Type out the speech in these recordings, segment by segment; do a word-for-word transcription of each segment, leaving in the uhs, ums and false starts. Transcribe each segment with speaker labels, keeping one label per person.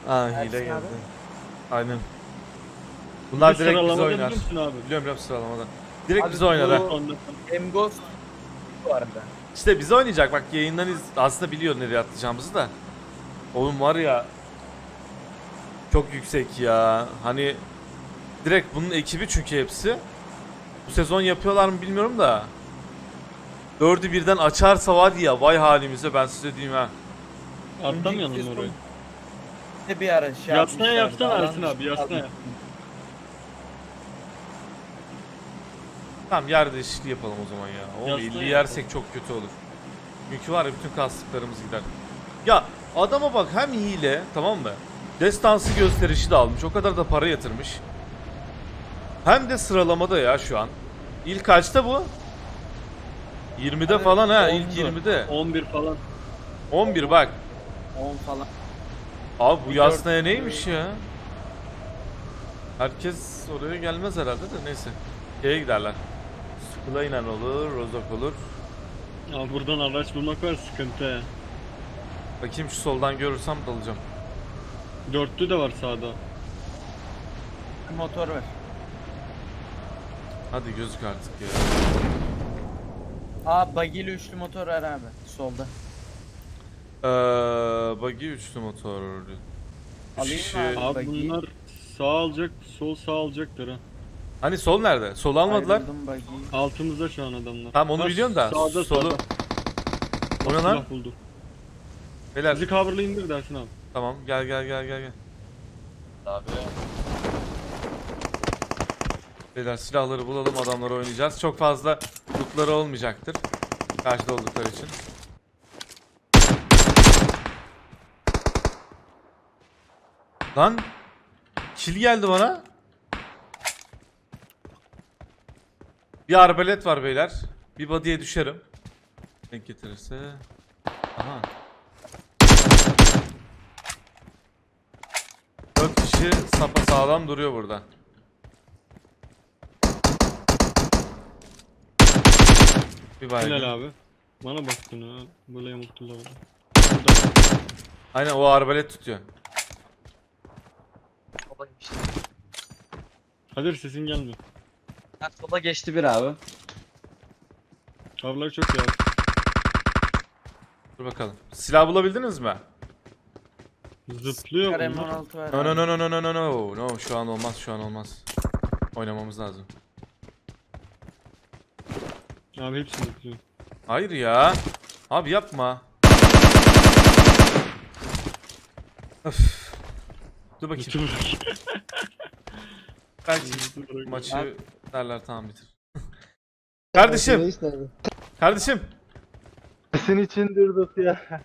Speaker 1: Aa hile
Speaker 2: Ersin
Speaker 1: geldi.
Speaker 2: abi.
Speaker 1: Aynen. Bunlar
Speaker 3: Bir
Speaker 1: direkt bize
Speaker 3: sıralamada
Speaker 1: oynar.
Speaker 3: biliyor musun abi?
Speaker 1: Biliyorum biliyorum sıralamada. Direkt
Speaker 2: Abi
Speaker 1: bize oynar ha.
Speaker 2: bu-
Speaker 3: Ondan-
Speaker 2: Emghost bu arada.
Speaker 1: İşte bize oynayacak bak yayından iz... aslında biliyor nereye atlayacağımızı da. Oğlum var ya. Çok yüksek ya. Hani direkt bunun ekibi çünkü hepsi. Bu sezon yapıyorlar mı bilmiyorum da. Dördü birden açarsa var ya vay halimize ben size diyeyim ha.
Speaker 3: Atlamayalım
Speaker 2: Önceki
Speaker 3: mı orayı?
Speaker 2: sezon Bir ara şey
Speaker 3: Yasnaya
Speaker 2: yapmışlardı,
Speaker 3: yapsana Ersin
Speaker 2: alan
Speaker 3: abi, yasnaya.
Speaker 2: dışı
Speaker 1: Tamam yer değişikliği yapalım o zaman ya. Oğlum
Speaker 3: Yasnaya
Speaker 1: elli
Speaker 3: yapalım.
Speaker 1: yersek çok kötü olur. Çünkü var ya bütün kastıklarımız gider. Ya adama bak hem hile tamam mı? Destansı gösterişi de almış. O kadar da para yatırmış. Hem de sıralamada ya şu an. İlk kaçta bu? yirmide
Speaker 2: Abi,
Speaker 1: falan ha.
Speaker 2: ondu.
Speaker 1: İlk yirmide.
Speaker 3: on bir falan.
Speaker 1: on bir bak.
Speaker 2: on falan.
Speaker 1: Abi bu
Speaker 2: Bir
Speaker 1: yasnaya
Speaker 2: dört-
Speaker 1: neymiş ya? Herkes oraya gelmez herhalde de neyse. Şeye giderler. Skula inen olur, Rozok olur.
Speaker 3: Ya buradan araç bulmak var sıkıntı he.
Speaker 1: Bakayım şu soldan görürsem dalacağım.
Speaker 3: Dörtlü de var sağda.
Speaker 2: Bir motor var.
Speaker 1: Hadi gözük artık ya.
Speaker 2: Aa bagili üçlü motor var abi solda.
Speaker 1: Eee buggy üçlü motor. Üç
Speaker 2: Alayım
Speaker 1: kişi-
Speaker 2: mı abi?
Speaker 3: Abi
Speaker 2: Buggy.
Speaker 3: bunlar sağ alacak, sol sağ alacaklar ha.
Speaker 1: Hani sol nerede? Sol almadılar.
Speaker 2: Ayrıldım buggy.
Speaker 3: Altımızda şu an adamlar.
Speaker 1: Tamam, onu
Speaker 3: Ha,
Speaker 1: biliyorum da,
Speaker 3: Sağda
Speaker 1: solu-
Speaker 3: sağda.
Speaker 1: O ne lan?
Speaker 3: Silah buldu.
Speaker 1: Beyler
Speaker 3: Bizi cover'la indir dersin abi.
Speaker 1: tamam gel gel gel gel gel.
Speaker 2: Abi.
Speaker 1: Beyler silahları bulalım adamları oynayacağız. Çok fazla lootları olmayacaktır. Karşıda oldukları için. Lan kill geldi bana. Bir arbalet var beyler. Bir body'ye düşerim. Denk getirirse. Aha. Dört kişi sapasağlam duruyor burada. Bir baygın.
Speaker 3: Helal abi. Bana baktın ha. Böyle yamuktular orada. Burada.
Speaker 1: Aynen o arbalet tutuyor.
Speaker 4: Sola geçti.
Speaker 3: Kadir sesin gelmiyor.
Speaker 4: Ha, sola geçti bir abi.
Speaker 3: Cover'lar çok iyi abi.
Speaker 1: Dur bakalım. Silah bulabildiniz mi?
Speaker 3: Zıplıyor
Speaker 2: Kar M on
Speaker 3: bunlar.
Speaker 2: altı var.
Speaker 1: No no
Speaker 2: abi.
Speaker 1: no no no no no no. No şu an olmaz şu an olmaz. Oynamamız lazım.
Speaker 3: Abi hepsi zıplıyor.
Speaker 1: Hayır ya. Abi yapma. Öf. Dur bakayım.
Speaker 3: Bütün
Speaker 1: Belki maçı
Speaker 2: Abi.
Speaker 1: derler tamam bitir. Kardeşim.
Speaker 5: Reis nerede?
Speaker 1: Kardeşim.
Speaker 5: Senin için durduk ya.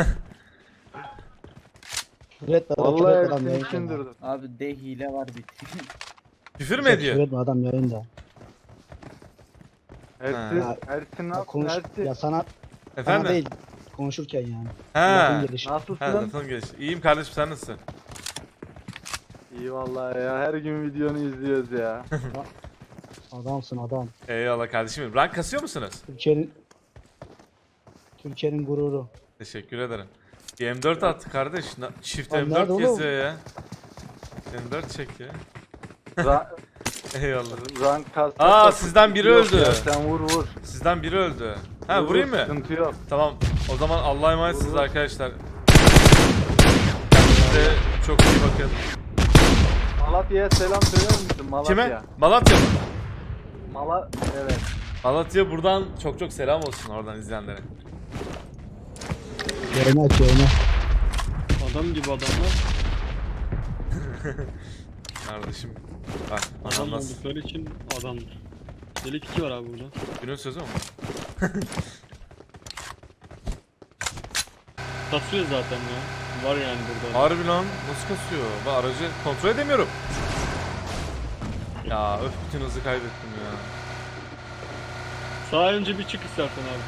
Speaker 5: Red adam,
Speaker 6: Vallahi
Speaker 5: Red adam
Speaker 6: senin
Speaker 5: yayında.
Speaker 6: için durdum.
Speaker 2: Abi de hile var bitti.
Speaker 1: Küfür mü
Speaker 5: Çok
Speaker 1: ediyor?
Speaker 5: küfür etme, adam yayında.
Speaker 6: Ersin,
Speaker 5: Ha.
Speaker 6: Ersin ne
Speaker 5: Ya,
Speaker 6: yaptın
Speaker 5: konuş,
Speaker 6: Ersin?
Speaker 5: ya sana, sana
Speaker 1: Efendim?
Speaker 5: değil konuşurken yani.
Speaker 1: Ha.
Speaker 5: Lafın gelişi.
Speaker 6: Nasılsın?
Speaker 1: Ha, lafın gelişi. İyiyim kardeşim sen nasılsın?
Speaker 6: İyi vallahi ya, her gün videonu izliyoruz ya.
Speaker 5: Adamsın adam.
Speaker 1: Eyvallah kardeşim. benim. Rank kasıyor musunuz?
Speaker 5: Türkiye'nin Türkiye'nin gururu.
Speaker 1: Teşekkür ederim. Bir M dört attı kardeş. Na- Çift
Speaker 5: Lan
Speaker 1: M dört
Speaker 5: nerede oğlum?
Speaker 1: geziyor ya. M dört çek ya.
Speaker 6: Ra
Speaker 1: Eyvallah.
Speaker 6: rank kasta.
Speaker 1: Aa, sizden biri
Speaker 6: Yok
Speaker 1: öldü.
Speaker 6: ya, sen vur vur.
Speaker 1: Sizden biri öldü. Ha
Speaker 6: Vur,
Speaker 1: vurayım
Speaker 6: vur,
Speaker 1: mı?
Speaker 6: Sıkıntı yok.
Speaker 1: Tamam. O zaman Allah'a emanetsiniz
Speaker 6: Vur, vur.
Speaker 1: arkadaşlar. Kendinize çok iyi bakın.
Speaker 6: Malatya'ya selam söyler misin? Malatya.
Speaker 1: Kime? Malatya mı?
Speaker 6: Mala evet.
Speaker 1: Malatya buradan çok çok selam olsun oradan izleyenlere.
Speaker 5: Yayını aç yayını.
Speaker 3: Adam gibi adamlar.
Speaker 1: Kardeşim. Bak
Speaker 3: Adam
Speaker 1: anam nasıl?
Speaker 3: oldukları için adamdır. Delik iki var abi burada.
Speaker 1: Günün sözü mü?
Speaker 3: Kasıyor zaten ya. Var yani burada.
Speaker 1: Harbi lan nasıl kasıyor? Ben aracı kontrol edemiyorum. Ya öf bütün hızı kaybettim ya.
Speaker 3: Sağa önce bir çık istersen abi.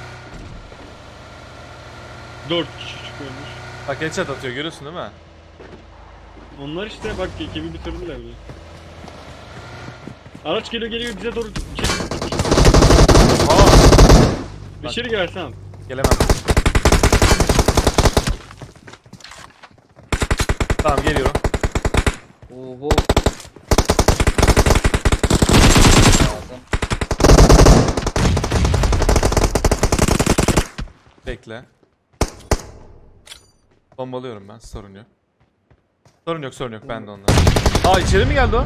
Speaker 3: Dört kişi çıkıyormuş.
Speaker 1: Bak headshot atıyor görüyorsun değil mi?
Speaker 3: Onlar işte bak ekibi bitirdiler bile. Araç geliyor geliyor bize doğru çek.
Speaker 1: Aa
Speaker 3: İçeri girersen.
Speaker 1: gelemem. Tamam geliyorum.
Speaker 4: Oho. Lazım.
Speaker 1: Bekle. Bombalıyorum ben, sorun yok. Sorun yok, sorun yok, ben de ondan. Aa, içeri mi geldi o?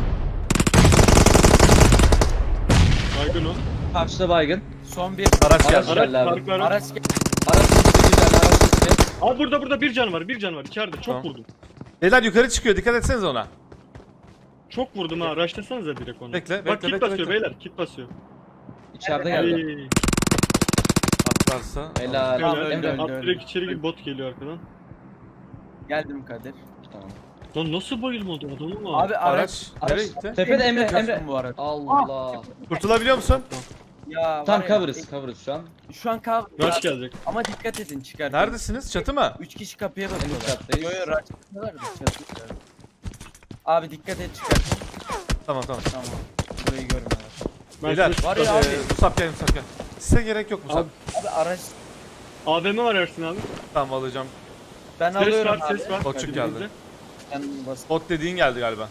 Speaker 3: Baygın o.
Speaker 4: Karşıda baygın.
Speaker 2: Son bir.
Speaker 1: Araç
Speaker 4: Araç
Speaker 1: geldi.
Speaker 4: geldi abi.
Speaker 3: Park var.
Speaker 2: Araç gel.
Speaker 4: Araç gitti güzel, araç gitti.
Speaker 3: Abi burada burada bir can var, bir can var içeride. Çok
Speaker 1: Tamam.
Speaker 3: vurdum.
Speaker 1: Beyler yukarı çıkıyor, dikkat etsenize ona.
Speaker 3: Çok vurdum ha. Rushlasanıza direkt onu.
Speaker 1: Bekle,
Speaker 3: Bak
Speaker 1: bekle,
Speaker 3: kit
Speaker 1: bekle,
Speaker 3: basıyor
Speaker 1: bekle.
Speaker 3: beyler, kit basıyor.
Speaker 4: İçeride geldi.
Speaker 3: Ay.
Speaker 1: Atlarsa.
Speaker 4: Helal.
Speaker 2: Tamam,
Speaker 3: Helal.
Speaker 2: öldü, öldü,
Speaker 3: At
Speaker 2: öldü.
Speaker 3: direkt içeri gir, bot geliyor arkadan.
Speaker 2: Geldim Kadir.
Speaker 4: Tamam.
Speaker 3: Lan nasıl bayılmadı adamı mı?
Speaker 2: Abi araç.
Speaker 1: Araç nereye gitti?
Speaker 4: Tepede Emre,
Speaker 2: Yapıyorsun
Speaker 4: Emre.
Speaker 2: Bu arada.
Speaker 4: Allah.
Speaker 1: Kurtulabiliyor musun?
Speaker 2: Ya
Speaker 4: Tam
Speaker 2: var ya,
Speaker 4: cover'ız, cover'ız şu an.
Speaker 2: Şu an cover.
Speaker 3: Rush gelecek.
Speaker 2: Ama dikkat edin çıkar.
Speaker 1: Neredesiniz? Çatı mı?
Speaker 2: Üç kişi kapıya
Speaker 4: En
Speaker 2: bakıyorlar.
Speaker 4: üst kattayız.
Speaker 2: Yo yo rush yapıyorlar da çatı. Abi dikkat et çıkar.
Speaker 1: Tamam tamam.
Speaker 2: Tamam. Burayı görmüyorlar.
Speaker 3: Ben
Speaker 1: Beyler,
Speaker 3: size-
Speaker 2: Var ya
Speaker 1: e,
Speaker 2: abi.
Speaker 1: Musab gel, Musab gel. Size gerek yok Musab.
Speaker 3: Abi-
Speaker 2: Abi araç.
Speaker 3: A V M var Ersin abi.
Speaker 1: Tamam alacağım.
Speaker 2: Ben
Speaker 3: Ses
Speaker 2: alıyorum
Speaker 3: var,
Speaker 2: abi.
Speaker 3: ses var.
Speaker 1: Botçuk geldi.
Speaker 3: Önümüzde.
Speaker 2: Ben bas
Speaker 1: Bot dediğin geldi galiba.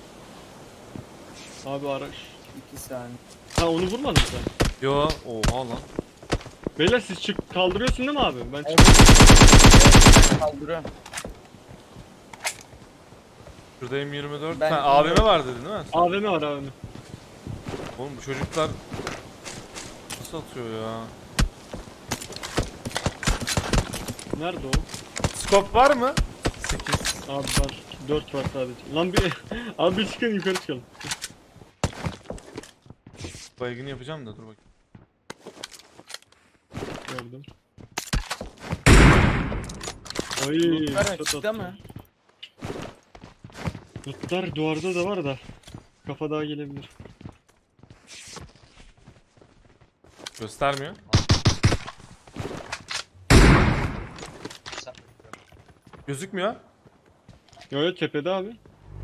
Speaker 3: Abi araç.
Speaker 2: iki saniye.
Speaker 3: Ha onu vurmadın sen.
Speaker 1: Yo, oha lan.
Speaker 3: Beyler siz çık kaldırıyorsun değil mi abi? Ben çık.
Speaker 2: Evet. Kaldırıyorum.
Speaker 1: Şurada M yirmi dört.
Speaker 2: Ben
Speaker 1: Sen A V M var dedin değil mi?
Speaker 3: A V M var A V M.
Speaker 1: Oğlum bu çocuklar nasıl atıyor ya?
Speaker 3: Nerede o?
Speaker 1: Scope var mı? sekiz.
Speaker 3: Abi var. dört var sadece. Lan bir abi bir çıkın yukarı çıkalım.
Speaker 1: Baygını yapacağım da dur bakayım.
Speaker 3: Gördüm. Ay.
Speaker 2: Lootlar
Speaker 3: shot
Speaker 2: açıkta
Speaker 3: attı.
Speaker 2: mı?
Speaker 3: Lootlar duvarda da var da. Kafa daha gelebilir.
Speaker 1: Göstermiyor. Gözükmüyor.
Speaker 3: Yo yo tepede abi.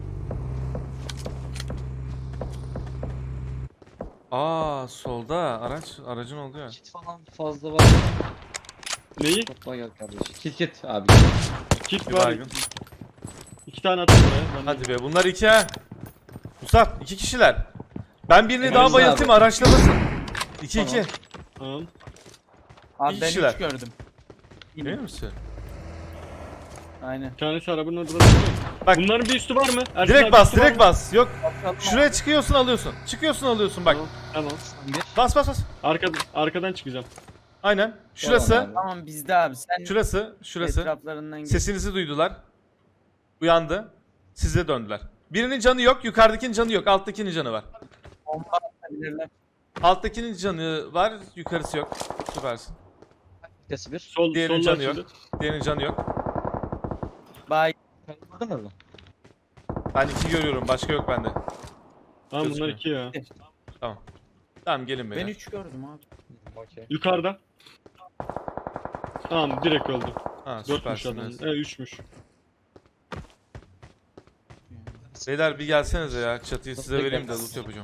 Speaker 1: Aa, solda araç, aracın oldu ya.
Speaker 4: Kit falan fazla var.
Speaker 3: Neyi?
Speaker 4: Topla gel kardeşim. Kit kit abi.
Speaker 3: Kit
Speaker 1: Bir
Speaker 3: var.
Speaker 1: baygın.
Speaker 3: İki tane attım buraya. Ben de-
Speaker 1: Hadi be, bunlar iki ha. Musab, iki kişiler. Ben birini
Speaker 4: Emre
Speaker 1: daha
Speaker 4: abi.
Speaker 1: bayıltayım, araçlamasın. İki iki.
Speaker 3: Tamam.
Speaker 2: Abi
Speaker 1: İyi
Speaker 2: ben
Speaker 1: kişiler.
Speaker 2: üç gördüm.
Speaker 1: Emin misin?
Speaker 2: Aynen.
Speaker 3: Bir tanesi arabanın orada duruyor.
Speaker 1: Bak.
Speaker 3: Bunların bir üstü var mı? Ersin
Speaker 1: Direkt
Speaker 3: abi
Speaker 1: bas,
Speaker 3: üstü var
Speaker 1: direkt
Speaker 3: mı?
Speaker 1: bas. Yok,
Speaker 2: Bakalım.
Speaker 1: şuraya çıkıyorsun alıyorsun. Çıkıyorsun alıyorsun bak.
Speaker 3: Tamam. Tamam.
Speaker 1: Bas bas bas.
Speaker 3: Arka, arkadan çıkacağım.
Speaker 1: Aynen. Şurası,
Speaker 4: Tamam abi.
Speaker 2: Tamam bizde abi. Sen
Speaker 1: şurası, şurası.
Speaker 2: etraflarından git.
Speaker 1: Sesinizi duydular. Uyandı. Size döndüler. Birinin canı yok, yukarıdakinin canı yok. Alttakinin canı var.
Speaker 2: Bomba atabilirler.
Speaker 1: Alttakinin canı var, yukarısı yok. Süpersin.
Speaker 4: Vitesi bir.
Speaker 3: Sol,
Speaker 1: Diğerinin
Speaker 3: solla
Speaker 1: canı yok.
Speaker 3: açıldı.
Speaker 1: Diğerinin canı yok.
Speaker 2: Bay.
Speaker 4: Kaldırdın mı?
Speaker 1: Ben iki görüyorum, başka yok bende.
Speaker 3: Tamam bunlar
Speaker 1: Gözükmüyor.
Speaker 3: iki ya.
Speaker 1: Tamam. Tamam gelin
Speaker 2: Ben
Speaker 1: beyler.
Speaker 2: üç gördüm abi.
Speaker 4: Okey.
Speaker 3: Yukarıda. Tamam direkt öldü.
Speaker 1: Ha,
Speaker 3: Dörtmüş adam.
Speaker 1: süpersiniz.
Speaker 3: Evet üçmüş.
Speaker 1: Beyler bir gelsenize ya. Çatıyı size
Speaker 4: Bekle.
Speaker 1: vereyim de loot yapacağım.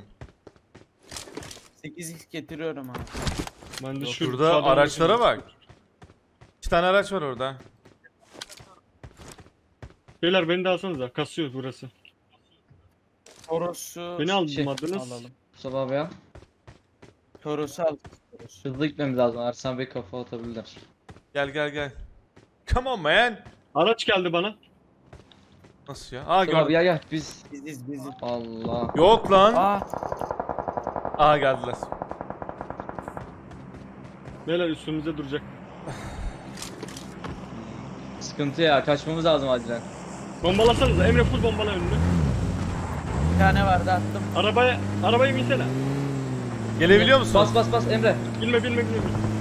Speaker 2: sekiz x getiriyorum abi.
Speaker 3: Ben de şu
Speaker 1: Şurada
Speaker 3: sağdan
Speaker 1: araçlara
Speaker 3: bakayım.
Speaker 1: bak. İki tane araç var orada.
Speaker 3: Beyler beni de alsanıza. Kasıyor burası.
Speaker 2: Toros'u
Speaker 3: Beni
Speaker 4: Şey,
Speaker 3: almadınız.
Speaker 2: alalım.
Speaker 4: Mustafa abi ya.
Speaker 2: Toros'u al. Toros'u.
Speaker 4: Hızlı gitmemiz lazım. Ersan Bey kafa atabilirler.
Speaker 1: Gel gel gel. Come on man.
Speaker 3: Araç geldi bana.
Speaker 1: Nasıl ya? Aa
Speaker 4: Mustafa abi
Speaker 1: gördüm.
Speaker 4: gel gel. Biz.
Speaker 2: Biziz biziz.
Speaker 4: Allah.
Speaker 1: Yok lan.
Speaker 2: Aa
Speaker 1: Aa geldiler.
Speaker 3: Beyler üstümüzde duracak.
Speaker 4: Sıkıntı ya. Kaçmamız lazım acilen.
Speaker 3: Bombalasanıza. Emre full bombala önünü.
Speaker 2: bir tane vardı attım.
Speaker 3: Arabaya, arabaya binsene.
Speaker 1: Gelebiliyor musun?
Speaker 4: Bas bas bas Emre.
Speaker 3: Bilme bilme bilme.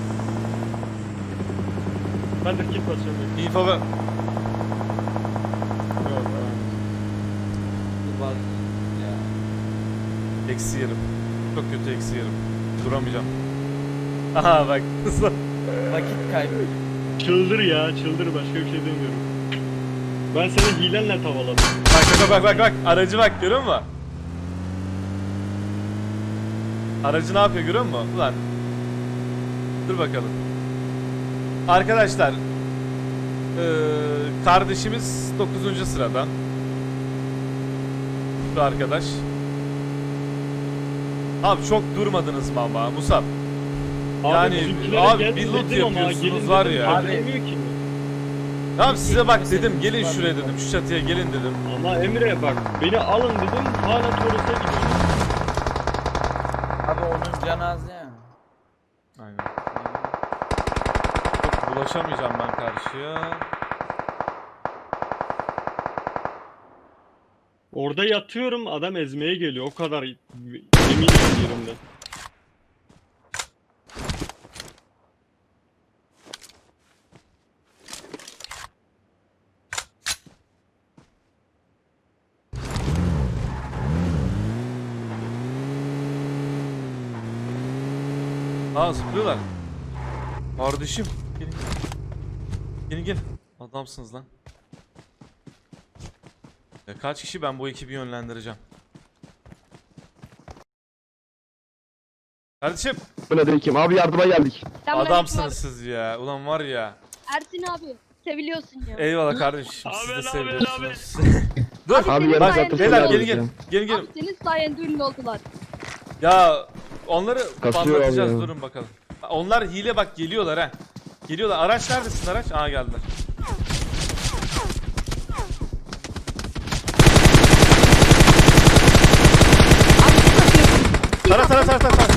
Speaker 3: Ben de kit basıyorum.
Speaker 1: İnfo ver.
Speaker 3: Yok, tamam.
Speaker 4: Dur var. Ya.
Speaker 1: Eksi yerim. Çok kötü eksi yerim. Duramayacağım. Aha bak.
Speaker 2: Vakit kaybı.
Speaker 3: Çıldır ya çıldır başka bir şey demiyorum. Ben seni hilenle tavaladım.
Speaker 1: Bak bak bak bak bak. Aracı bak görüyor musun? Aracı ne yapıyor görüyor musun? Ulan. Dur bakalım. Arkadaşlar. Eee kardeşimiz dokuzuncu sırada. bir arkadaş. Abi çok durmadınız mı ama Musab? Yani
Speaker 3: bizimkilere
Speaker 1: abi
Speaker 3: geldi
Speaker 1: bir loot
Speaker 3: dedim ama
Speaker 1: yapıyorsunuz
Speaker 3: gelin
Speaker 1: var
Speaker 3: dedim,
Speaker 1: ya.
Speaker 2: Abi-
Speaker 3: gelmiyor ki.
Speaker 1: Abi size bak dedim
Speaker 2: Kimse-
Speaker 1: gelin şuraya dedim, şu çatıya gelin dedim.
Speaker 3: Ama Emre bak beni alın dedim hala Toros'a gidiyorum.
Speaker 2: Abi onun canı az ya.
Speaker 1: Aynen. Çok bulaşamayacağım ben karşıya.
Speaker 3: Orada yatıyorum adam ezmeye geliyor o kadar eminim yerimden.
Speaker 1: Aa zıplıyorlar. Kardeşim. Gelin. Gelin gelin. Adamsınız lan. Ya kaç kişi ben bu ekibi yönlendireceğim. Kardeşim.
Speaker 7: Aleyküm abi yardıma geldik.
Speaker 1: Adamsınız siz ya. Ulan var ya.
Speaker 8: Ersin abi seviliyorsun ya.
Speaker 1: Eyvallah kardeşim. Siz de
Speaker 3: Abi, abi,
Speaker 1: seviyorsunuz. Dur.
Speaker 8: Abi,
Speaker 7: Abi
Speaker 8: senin
Speaker 7: yarın
Speaker 8: sayende
Speaker 7: zaten
Speaker 1: Beyler
Speaker 8: ünlü
Speaker 1: gelin
Speaker 7: gelin.
Speaker 1: gelin. Gelin
Speaker 8: oldular.
Speaker 1: gelin.
Speaker 8: Abi senin sayende ünlü oldular.
Speaker 1: Ya onları
Speaker 7: Kasıyor
Speaker 1: patlatacağız
Speaker 7: abi ya.
Speaker 1: durun bakalım. Onlar hile bak geliyorlar ha. Geliyorlar. Araç neredesin araç? Aa geldiler. Tara tara tara tara. tara.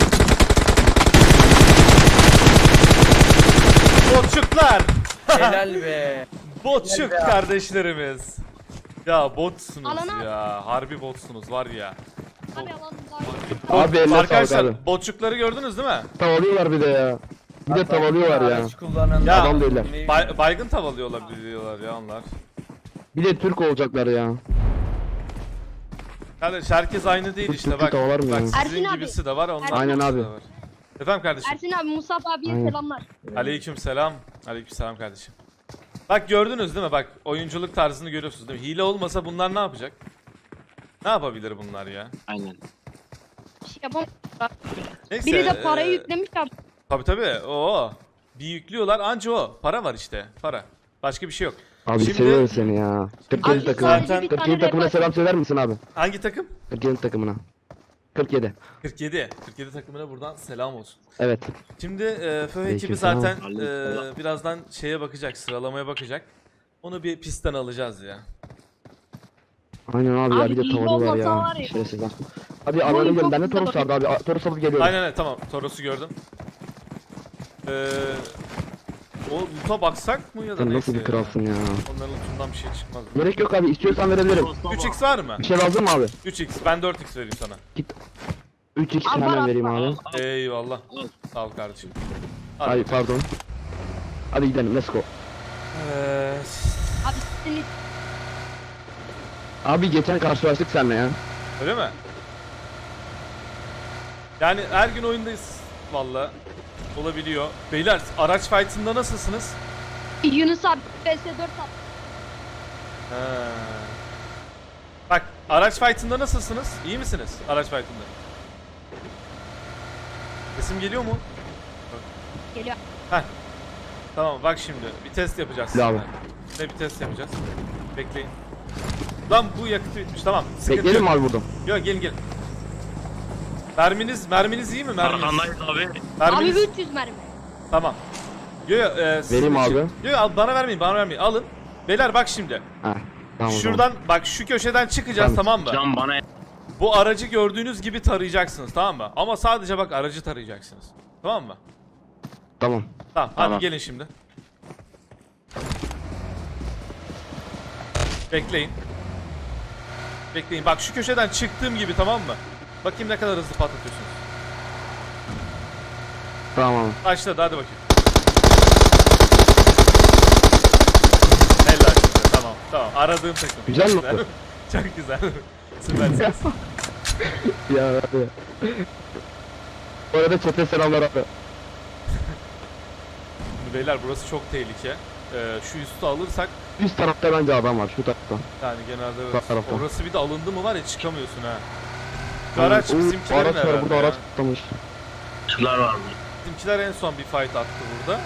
Speaker 1: Botçuklar.
Speaker 2: Helal be.
Speaker 1: Botçuk kardeşlerimiz. Ya botsunuz
Speaker 8: Alana-
Speaker 1: ya. Harbi botsunuz var ya.
Speaker 8: Abi alalım daha iyi.
Speaker 7: Abi eline sağlık
Speaker 1: Arkadaşlar
Speaker 7: abi.
Speaker 1: botçukları gördünüz değil mi?
Speaker 7: Tavalıyorlar bir de ya. Bir de tavalıyorlar ya.
Speaker 2: Araç kullanan
Speaker 1: Ya,
Speaker 7: adam değiller.
Speaker 1: Bay- baygın tavalıyorlar biliyorlar ya onlar.
Speaker 7: Bir de Türk olacaklar ya.
Speaker 1: Kardeş herkes aynı değil işte
Speaker 7: Türk'ü
Speaker 1: bak.
Speaker 7: tavalar mı
Speaker 1: Bak
Speaker 7: ya?
Speaker 1: sizin
Speaker 8: Ersin abi.
Speaker 1: gibisi de var, onlar
Speaker 8: Aynen
Speaker 1: gibisi
Speaker 7: abi.
Speaker 1: de var. Efendim kardeşim.
Speaker 8: Ersin abi Musab abiye
Speaker 7: Aynen.
Speaker 8: selamlar.
Speaker 1: Aleyküm selam. Aleyküm selam kardeşim. Bak gördünüz değil mi? Bak oyunculuk tarzını görüyorsunuz değil mi? Hile olmasa bunlar ne yapacak? Ne yapabilir bunlar ya?
Speaker 8: Bir şey yapamam.
Speaker 1: Neyse.
Speaker 8: Biri de parayı
Speaker 1: eee,
Speaker 8: yüklemiş abi.
Speaker 1: Tabii tabii. Oo. Bir yüklüyorlar anca o. Para var işte. Para. Başka bir şey yok.
Speaker 7: Abi
Speaker 1: Şimdi-
Speaker 7: seviyorum seni ya. kırk yedi
Speaker 8: Abi
Speaker 7: takım.
Speaker 1: zaten-
Speaker 8: sadece bir
Speaker 7: kırk
Speaker 8: tane
Speaker 7: yedi takımına
Speaker 8: rapor.
Speaker 7: selam söyler misin abi?
Speaker 1: Hangi takım?
Speaker 7: kırk yedi takımına. kırk yedi.
Speaker 1: kırk yedi. kırk yedi takımına buradan selam olsun.
Speaker 7: Evet.
Speaker 1: Şimdi e, F ekibi
Speaker 7: Aleykümselam.
Speaker 1: zaten e, birazdan şeye bakacak, sıralamaya bakacak. Onu bir pistten alacağız ya.
Speaker 7: Aynen abi, ya
Speaker 8: Abi
Speaker 7: bir de
Speaker 8: iyi
Speaker 7: tavalıyorlar
Speaker 8: olmasa
Speaker 7: ya.
Speaker 8: var ya.
Speaker 7: Şerefsizler. Hadi alalım gelin. Bende Toros vardı abi. A- Toros alıp geliyorum.
Speaker 1: Aynen öyle tamam. Toros'u gördüm. Ee, o loot'a baksak mı ya da
Speaker 7: Sen
Speaker 1: neyse
Speaker 7: nasıl bir
Speaker 1: ya.
Speaker 7: kralsın ya.
Speaker 1: Onların lootundan bir şey çıkmaz.
Speaker 7: Gerek yok abi. İstiyorsan verebilirim.
Speaker 1: üç x var mı?
Speaker 7: Bir şey lazım mı abi?
Speaker 1: üç x. Ben dört x vereyim sana.
Speaker 7: üç x
Speaker 8: Abi var
Speaker 7: hemen
Speaker 8: abi,
Speaker 7: vereyim
Speaker 8: var.
Speaker 7: abi.
Speaker 1: Eyvallah. Sağ ol kardeşim. Hadi.
Speaker 7: Ay pardon. Hadi gidelim. Let's go.
Speaker 1: Ee,
Speaker 8: Abi senin
Speaker 7: Abi geçen karşılaştık seninle ya.
Speaker 1: öyle mi? Yani her gün oyundayız. Valla. Olabiliyor. Beyler araç fight'ında nasılsınız?
Speaker 8: Yunus abi B S dört abi.
Speaker 1: Ha. Bak araç fight'ında nasılsınız? İyi misiniz araç fight'ında? Sesim geliyor mu?
Speaker 8: Geliyor.
Speaker 1: Heh. Tamam bak şimdi bir test yapacağız.
Speaker 7: Bravo.
Speaker 1: Ne bir test yapacağız? Bekleyin. Lan bu yakıtı bitmiş tamam. Sıkıntı
Speaker 7: Bekleyelim mi
Speaker 1: yok.
Speaker 7: abi burada?
Speaker 1: Yok gelin gelin. Merminiz merminiz iyi mi merminiz?
Speaker 3: abi.
Speaker 8: Abi
Speaker 1: Merminiz
Speaker 8: üç yüz mermi.
Speaker 1: tamam. Yo yo e, sizin
Speaker 7: Vereyim
Speaker 1: için-
Speaker 7: abi.
Speaker 1: Yo yo al, bana vermeyin bana vermeyin alın. Beyler bak şimdi.
Speaker 7: Heh. Tamam. o zaman.
Speaker 1: Şuradan bak şu köşeden çıkacağız
Speaker 7: Tamam.
Speaker 1: tamam mı?
Speaker 3: bana
Speaker 1: Bu aracı gördüğünüz gibi tarayacaksınız tamam mı? Ama sadece bak aracı tarayacaksınız. Tamam mı?
Speaker 7: Tamam.
Speaker 1: Tamam,
Speaker 7: Tamam.
Speaker 1: hadi gelin şimdi. Bekleyin. Bekleyin. Bak şu köşeden çıktığım gibi tamam mı? Bakayım ne kadar hızlı patlatıyorsunuz.
Speaker 7: Tamam.
Speaker 1: Başladı hadi bakayım. Helal size. Tamam tamam aradığım takım.
Speaker 7: Güzel mi?
Speaker 1: Çok güzel. Süpersiniz.
Speaker 7: Ya abi. Bu arada çete selamlar abi.
Speaker 1: Şimdi beyler burası çok tehlike. Ee, şu üstü alırsak
Speaker 7: Üst tarafta bence adam var şu tarafta.
Speaker 1: yani genelde
Speaker 7: Sağ
Speaker 1: evet.
Speaker 7: tarafta.
Speaker 1: Orası bir de alındı mı var ya çıkamıyorsun ha. Şu araç
Speaker 7: Oo,
Speaker 1: bizimkilerin
Speaker 7: araç var
Speaker 1: herhalde
Speaker 7: burada,
Speaker 1: ya.
Speaker 7: araç tutmuş.
Speaker 1: Bizimkiler en son bir fight attı burada.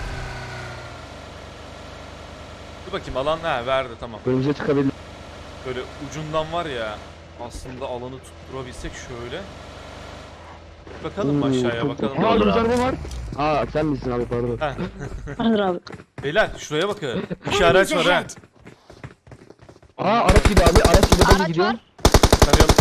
Speaker 1: Dur bakayım alan ha verdi tamam.
Speaker 7: Önümüze çıkabilir.
Speaker 1: Böyle ucundan var ya. Aslında alanı tutturabilsek şöyle. Bakalım mı
Speaker 7: Hmm,
Speaker 1: aşağıya
Speaker 7: çok-
Speaker 1: bakalım.
Speaker 7: Aa
Speaker 1: mı?
Speaker 7: güzel araba var. Aa sen misin abi pardon.
Speaker 1: Heh.
Speaker 8: Hazır abi.
Speaker 1: Beyler şuraya bakın. İki araç var ha.
Speaker 7: Aa araç gibi abi araç gibi ben
Speaker 8: Araç
Speaker 7: gidiyor.
Speaker 8: var.
Speaker 1: Tarayalım.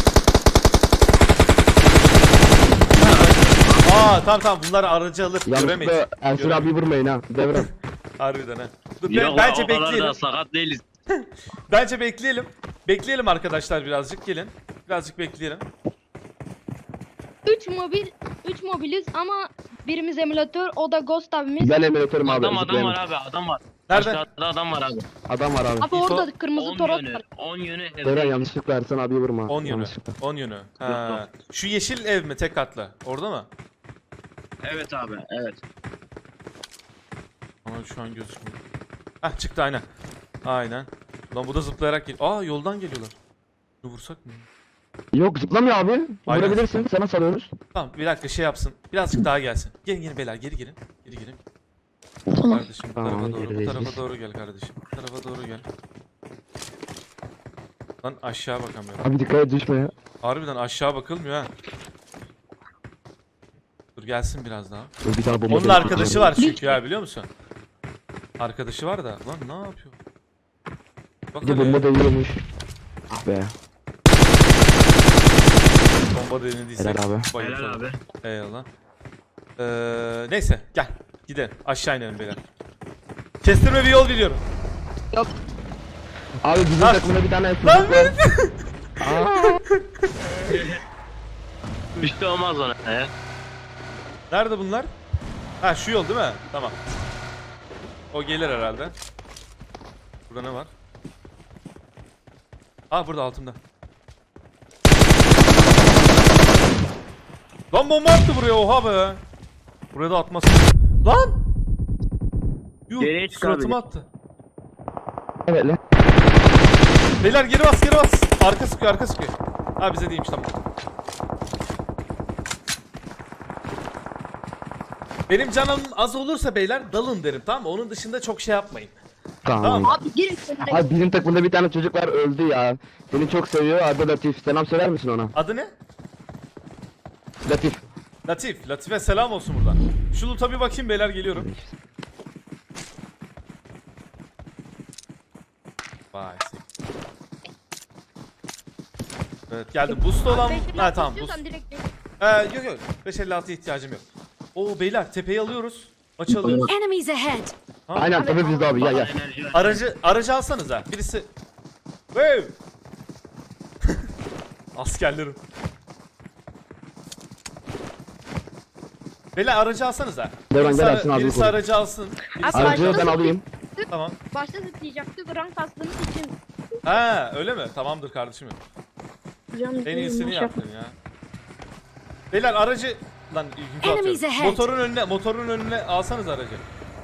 Speaker 1: Aa tamam tamam bunlar aracı alır. Göremeyiz.
Speaker 7: Yanlışlıkla Ersin
Speaker 1: Göremeyiz.
Speaker 7: abi vurmayın ha. Devrem.
Speaker 1: Harbiden ha. Dur, be-
Speaker 9: Yok
Speaker 1: bence
Speaker 9: o kadar
Speaker 1: bekleyelim.
Speaker 9: da sakat değiliz.
Speaker 1: Bence bekleyelim. Bekleyelim arkadaşlar birazcık gelin. Birazcık bekleyelim.
Speaker 8: üç mobil, üç mobiliz ama birimiz emülatör, o da Ghost abimiz.
Speaker 7: Ben emülatörüm abi.
Speaker 9: Adam adam
Speaker 7: zıplayalım.
Speaker 9: var abi adam var.
Speaker 1: Nerede?
Speaker 9: Aşağıda adam var abi.
Speaker 7: Adam var abi.
Speaker 8: Abi orada kırmızı
Speaker 9: on
Speaker 8: toros
Speaker 9: yönü.
Speaker 8: var.
Speaker 9: on yönü
Speaker 7: Devrem
Speaker 9: evde.
Speaker 7: yanlışlıkla Ersin abi vurma.
Speaker 1: on yönü.
Speaker 7: Yanlışlıkla.
Speaker 1: on yönü. Ha. Şu yeşil ev mi tek katlı? Orada mı?
Speaker 9: Evet abi evet.
Speaker 1: Ama şu an gözükmüyor. Hah çıktı aynen. Aynen. Lan bu da zıplayarak geliyor. Aa yoldan geliyorlar. Bunu vursak mı?
Speaker 7: Yok zıplamıyor abi.
Speaker 1: Aynen.
Speaker 7: Vurabilirsin. Sana salıyoruz.
Speaker 1: Tamam bir dakika şey yapsın. Birazcık daha gelsin. Gelin gelin beyler geri girin. Geri girin. Kardeşim bu
Speaker 7: Tamam,
Speaker 1: tarafa doğru. Bu
Speaker 7: gerideyiz
Speaker 1: tarafa
Speaker 7: biz.
Speaker 1: doğru gel kardeşim. Bu tarafa doğru gel. Lan aşağı bakamıyorum.
Speaker 7: Abi dikkat et düşme ya.
Speaker 1: Harbiden aşağı bakılmıyor ha. Dur gelsin biraz daha.
Speaker 7: Dur, Bir tane bomba
Speaker 1: Onun
Speaker 7: deneyim.
Speaker 1: arkadaşı var çünkü ya biliyor musun? Arkadaşı var da. Lan ne yapıyor? Bak
Speaker 7: Bir de
Speaker 1: hele.
Speaker 7: bomba değiyormuş. Ah be.
Speaker 1: Bomba denediysek.
Speaker 7: Helal abi.
Speaker 1: bayıltalım.
Speaker 9: Helal abi.
Speaker 1: Eyvallah. Ee, neyse gel. Gidelim. Aşağı inelim beyler. Kestirme bir yol biliyorum.
Speaker 7: Abi bizim
Speaker 1: Ha.
Speaker 7: takımda bir tane
Speaker 1: Lan
Speaker 7: çocuk var.
Speaker 1: benim.
Speaker 7: Aa,
Speaker 9: Bir şey olmaz ona ya.
Speaker 1: Nerede bunlar? Ha şu yol değil mi? Tamam. O gelir herhalde. Burada ne var? Ah burada altımda. Lan bomba attı buraya oha be. Buraya da atmasın. Lan! Yuh
Speaker 9: Geriye çık abi.
Speaker 1: suratıma attı.
Speaker 7: evet lan.
Speaker 1: Beyler geri bas geri bas. Arka sıkıyor arka sıkıyor. Ha bize değilmiş tamam. Benim canım az olursa beyler dalın derim tamam mı? Onun dışında çok şey yapmayın.
Speaker 7: Tamam.
Speaker 1: Tamam.
Speaker 8: Abi girin önüne.
Speaker 7: Abi bizim takımda bir tane çocuk var öldü ya. Beni çok seviyor. Adı Latif. Selam söyler misin ona?
Speaker 1: Adı ne?
Speaker 7: Latif.
Speaker 1: Latif. Latif'e selam olsun buradan. Şu loot'a bir bakayım beyler geliyorum. Vay. Evet geldim. Boost olan...
Speaker 8: beş elli
Speaker 1: Ha
Speaker 8: altı
Speaker 1: tamam
Speaker 8: istiyorsan
Speaker 1: boost.
Speaker 8: direkt
Speaker 1: Ee, yok yok. beş elli altıya ihtiyacım yok. Oo beyler tepeyi alıyoruz. Maçı alıyoruz.
Speaker 10: Enemies ahead.
Speaker 7: Aynen tabii bizde abi ya ya.
Speaker 9: Enerji ver.
Speaker 1: Aracı aracı alsanıza. Birisi. Wow. Askerlerim. Beyler aracı alsanıza.
Speaker 7: Devran
Speaker 1: Birisi,
Speaker 7: gel
Speaker 1: ara-
Speaker 7: Ersin abi
Speaker 1: birisi
Speaker 7: koy.
Speaker 1: aracı alsın. Birisi
Speaker 8: Abi,
Speaker 7: Aracı ben
Speaker 8: başta-
Speaker 7: alayım.
Speaker 1: Tamam.
Speaker 8: Başta zıplayacaktık rank kastığımız için.
Speaker 1: Ha öyle mi? Tamamdır kardeşim.
Speaker 8: Canım,
Speaker 1: En iyisini
Speaker 8: boş
Speaker 1: yaptın ya. Beyler aracı lan yükü
Speaker 10: Enemies
Speaker 1: atıyorum.
Speaker 10: ahead.
Speaker 1: Motorun önüne motorun önüne alsanız aracı.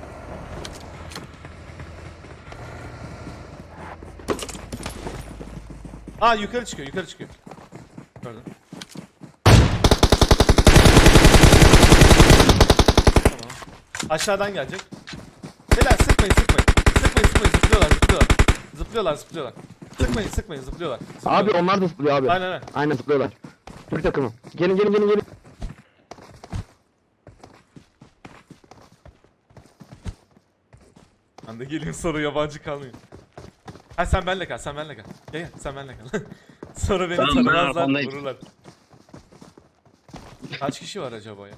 Speaker 1: Aa yukarı çıkıyor, yukarı çıkıyor. Gördüm. Tamam. Aşağıdan gelecek. Beyler sıkmayın, sıkmayın. Sıkmayın, sıkmayın. Zıplıyorlar, zıplıyorlar. Zıplıyorlar, zıplıyorlar. Sıkmayın, sıkmayın. Zıplıyorlar.
Speaker 7: Abi
Speaker 1: Zıplıyorlar.
Speaker 7: onlar da zıplıyor abi.
Speaker 1: Aynen aynen.
Speaker 7: Aynen zıplıyorlar. Türk takımı. Gelin gelin gelin gelin.
Speaker 1: Ben de geleyim sonra yabancı kalmayayım. Ha sen benle kal, sen benle kal. Gel gel, sen benle kal. Sonra beni
Speaker 9: Tamam, ben
Speaker 1: tanımazlar,
Speaker 9: arkandayım.
Speaker 1: vururlar. Kaç kişi var acaba ya?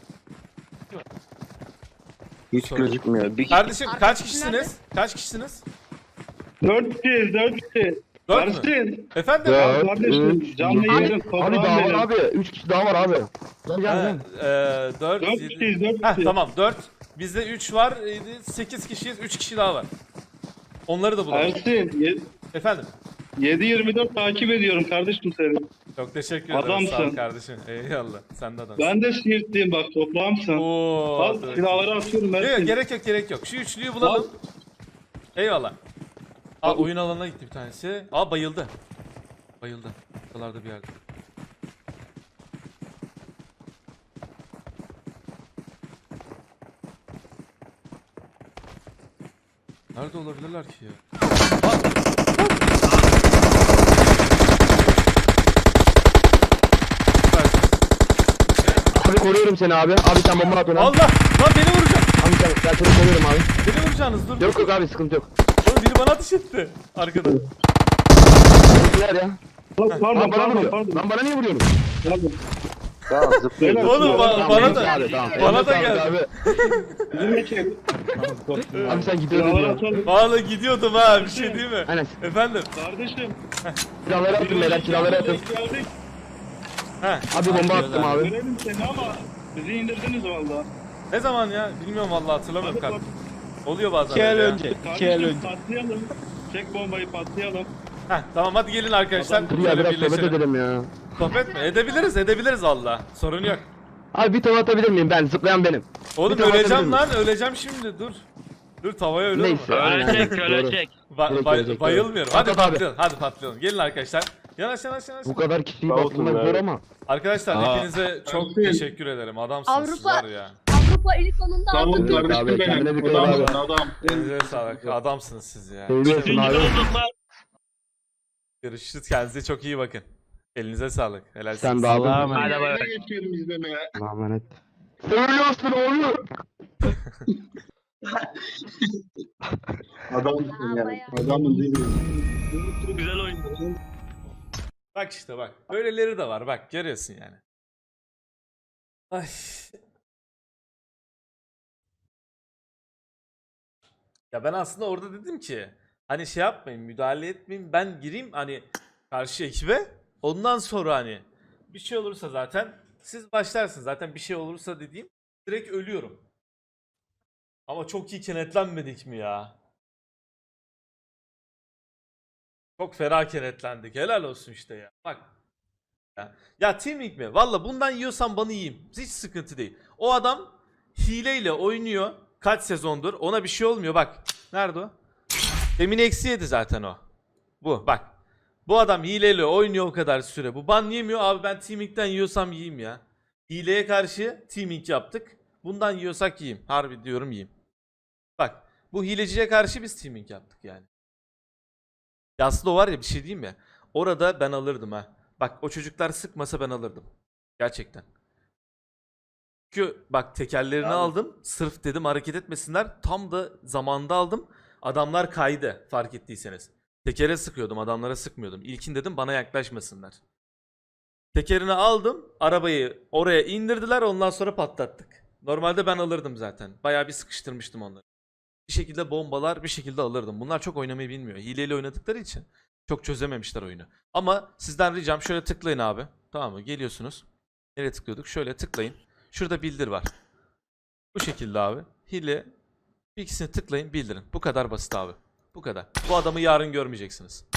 Speaker 7: Hiç
Speaker 1: Sorry.
Speaker 7: gözükmüyor. Bir
Speaker 1: Kardeşim kaç
Speaker 8: Arkadaşın
Speaker 1: kişisiniz? Kaç kişisiniz?
Speaker 3: Dört kişiyiz, dört kişi.
Speaker 1: Dört mü?
Speaker 3: Ersin.
Speaker 1: Efendim?
Speaker 7: Dört,
Speaker 3: Kardeşim,
Speaker 7: üç,
Speaker 3: canlı
Speaker 7: yedi.
Speaker 3: yayın,
Speaker 7: Abi
Speaker 3: toprağın
Speaker 7: daha var
Speaker 3: benim.
Speaker 7: abi. Üç kişi daha var abi. Gel gel
Speaker 1: Ha,
Speaker 7: gel.
Speaker 1: eee, dört,
Speaker 3: Dört
Speaker 1: yedi-
Speaker 3: kişiyiz, dört
Speaker 1: Heh,
Speaker 3: kişi.
Speaker 1: tamam dört. Bizde üç var, sekiz kişiyiz, üç kişi daha var. Onları da bulalım.
Speaker 3: Ersin, ye-
Speaker 1: Efendim?
Speaker 3: yedi yirmi dört takip ediyorum kardeşim seni.
Speaker 1: Çok teşekkür ederim.
Speaker 3: Adamsın.
Speaker 1: Sağ ol kardeşim. Eyvallah. Sen de adamsın.
Speaker 3: Ben de Siirtliyim bak, toprağımsın.
Speaker 1: Oo.
Speaker 3: Al
Speaker 1: dur.
Speaker 3: silahları atıyorum
Speaker 1: Yok, yok,
Speaker 3: Ersin.
Speaker 1: gerek yok gerek yok. Şu üçlüyü bulalım. Eyvallah. Aa oyun alanına gitti bir tanesi. Aa bayıldı. Bayıldı. Buralarda bir yerde. Nerede olabilirler ki ya? Aa!
Speaker 7: koruyorum seni abi. Abi sen bomba at ona.
Speaker 1: Allah! Lan beni vuracak.
Speaker 7: Abi sen, ben seni koruyorum abi.
Speaker 1: Beni vuracaksınız dur.
Speaker 7: Yok yok abi sıkıntı yok.
Speaker 1: Oğlum biri bana ateş etti. Arkada.
Speaker 7: Bizimkiler ya.
Speaker 3: Pardon
Speaker 7: Lan bana
Speaker 3: pardon
Speaker 7: vuruyor.
Speaker 3: pardon.
Speaker 7: Lan bana niye vuruyorsun?
Speaker 3: Pardon.
Speaker 6: Tamam zıplayın.
Speaker 3: Beyler,
Speaker 1: Oğlum ba-
Speaker 7: Tamam,
Speaker 1: bana
Speaker 7: neyse
Speaker 1: da
Speaker 7: abi, tamam.
Speaker 1: bana da
Speaker 7: Eline
Speaker 1: geldi.
Speaker 7: sağlık
Speaker 3: Bizimle çek.
Speaker 7: Abi. Abi sen gidiyordun
Speaker 3: Silahları
Speaker 7: ya.
Speaker 3: atalım.
Speaker 1: Vallahi gidiyordum ha bir şey değil mi?
Speaker 7: Aynen.
Speaker 1: Efendim.
Speaker 3: Kardeşim.
Speaker 7: Silahları atın beyler silahları atın.
Speaker 3: Geldik.
Speaker 1: He.
Speaker 7: Abi bomba attım abi.
Speaker 3: Görelim seni ama bizi indirdiniz valla.
Speaker 1: Ne zaman ya? Bilmiyorum vallahi hatırlamıyorum
Speaker 3: Hadi
Speaker 1: kanka. Oluyor bazen.
Speaker 2: İki el
Speaker 1: öyle ya.
Speaker 2: önce. İki el
Speaker 3: Kardeşim
Speaker 2: önce.
Speaker 3: patlayalım. Çek bombayı patlayalım.
Speaker 1: Heh, tamam hadi gelin arkadaşlar.
Speaker 7: Dur ya
Speaker 1: Şöyle
Speaker 7: biraz sohbet
Speaker 1: birleşelim.
Speaker 7: edelim ya.
Speaker 1: Sohbet mi? Edebiliriz edebiliriz valla. Sorun yok.
Speaker 7: Abi bir tava atabilir miyim ben? Zıplayan benim.
Speaker 1: Oğlum
Speaker 7: Bir tava
Speaker 1: öleceğim
Speaker 7: atabilir
Speaker 1: lan öleceğim şimdi dur. Dur tavaya ölür mü?
Speaker 7: Neyse. aynen,
Speaker 9: Ölecek
Speaker 7: doğru.
Speaker 9: ölecek.
Speaker 1: Ba-
Speaker 7: Direkt
Speaker 1: bay-
Speaker 7: ölecek,
Speaker 1: bayılmıyorum.
Speaker 7: doğru.
Speaker 1: Hadi
Speaker 7: At, at abi.
Speaker 1: patlayalım. Hadi patlayalım. Gelin arkadaşlar. Yanaş yanaş yanaş.
Speaker 7: Bu kadar kişiyi
Speaker 6: Sağ olsun
Speaker 7: bastırmak
Speaker 6: abi.
Speaker 7: zor ama.
Speaker 1: Arkadaşlar
Speaker 2: Aa.
Speaker 1: hepinize çok teşekkür ederim. Adamsınız siz
Speaker 8: Avrupa-
Speaker 1: var ya.
Speaker 8: Avrupa ilk sonunda
Speaker 3: Tamam
Speaker 8: aldı.
Speaker 7: Evet abi kendine dikkat et abi.
Speaker 3: Adam.
Speaker 1: Elinize sağlık. Adamsınız siz ya.
Speaker 7: Seviyorsun
Speaker 9: Üçüncü
Speaker 7: abi.
Speaker 9: olduk lan.
Speaker 1: Görüşürüz. Kendinize çok iyi bakın. Elinize sağlık. Helal
Speaker 7: Sen
Speaker 1: siz.
Speaker 7: de abi.
Speaker 2: Allah'a emanet.
Speaker 9: Hadi bay bay.
Speaker 3: Geçiyorum izlemeye.
Speaker 7: Allah'a emanet. Söylüyorsun oğlum.
Speaker 3: Adamsın ya.
Speaker 8: bayağı.
Speaker 3: Adamın değil mi?
Speaker 9: Güzel oyun.
Speaker 1: Bak işte bak. Böyleleri de var. Bak görüyorsun yani. Ay. Ya ben aslında orada dedim ki hani şey yapmayın, müdahale etmeyin. Ben gireyim hani karşı ekibe. Ondan sonra hani bir şey olursa zaten siz başlarsınız. Zaten bir şey olursa dediğim direkt ölüyorum. Ama çok iyi kenetlenmedik mi ya? Çok ferah kenetlendik. Helal olsun işte ya. Bak. Ya, ya teaming mi? Valla bundan yiyorsan bana yiyeyim. Hiç sıkıntı değil. O adam hileyle oynuyor. Kaç sezondur. Ona bir şey olmuyor. Bak. Nerede o? Demin eksi yedi zaten o. Bu. Bak. Bu adam hileyle oynuyor o kadar süre. Bu ban yemiyor. Abi ben teaming'den yiyorsam yiyeyim ya. Hileye karşı teaming yaptık. Bundan yiyorsak yiyeyim. Harbi diyorum yiyeyim. Bak. Bu hileciye karşı biz teaming yaptık yani. Ya aslında o var ya bir şey diyeyim mi? Orada ben alırdım ha. Bak o çocuklar sıkmasa ben alırdım. Gerçekten. Çünkü bak tekerlerini
Speaker 6: Abi.
Speaker 1: aldım. Sırf dedim hareket etmesinler. Tam da zamanda aldım. Adamlar kaydı fark ettiyseniz. Tekere sıkıyordum, adamlara sıkmıyordum. İlkin dedim bana yaklaşmasınlar. Tekerini aldım. Arabayı oraya indirdiler, ondan sonra patlattık. Normalde ben alırdım zaten. Bayağı bir sıkıştırmıştım onları. Bir şekilde bombalar, bir şekilde alırdım. Bunlar çok oynamayı bilmiyor. Hileyle oynadıkları için çok çözememişler oyunu. Ama sizden ricam şöyle tıklayın abi. Tamam mı? Geliyorsunuz. Nereye tıklıyorduk? Şöyle tıklayın. Şurada bildir var. Bu şekilde abi. Hile. İkisini tıklayın, bildirin. Bu kadar basit abi. Bu kadar. Bu adamı yarın görmeyeceksiniz.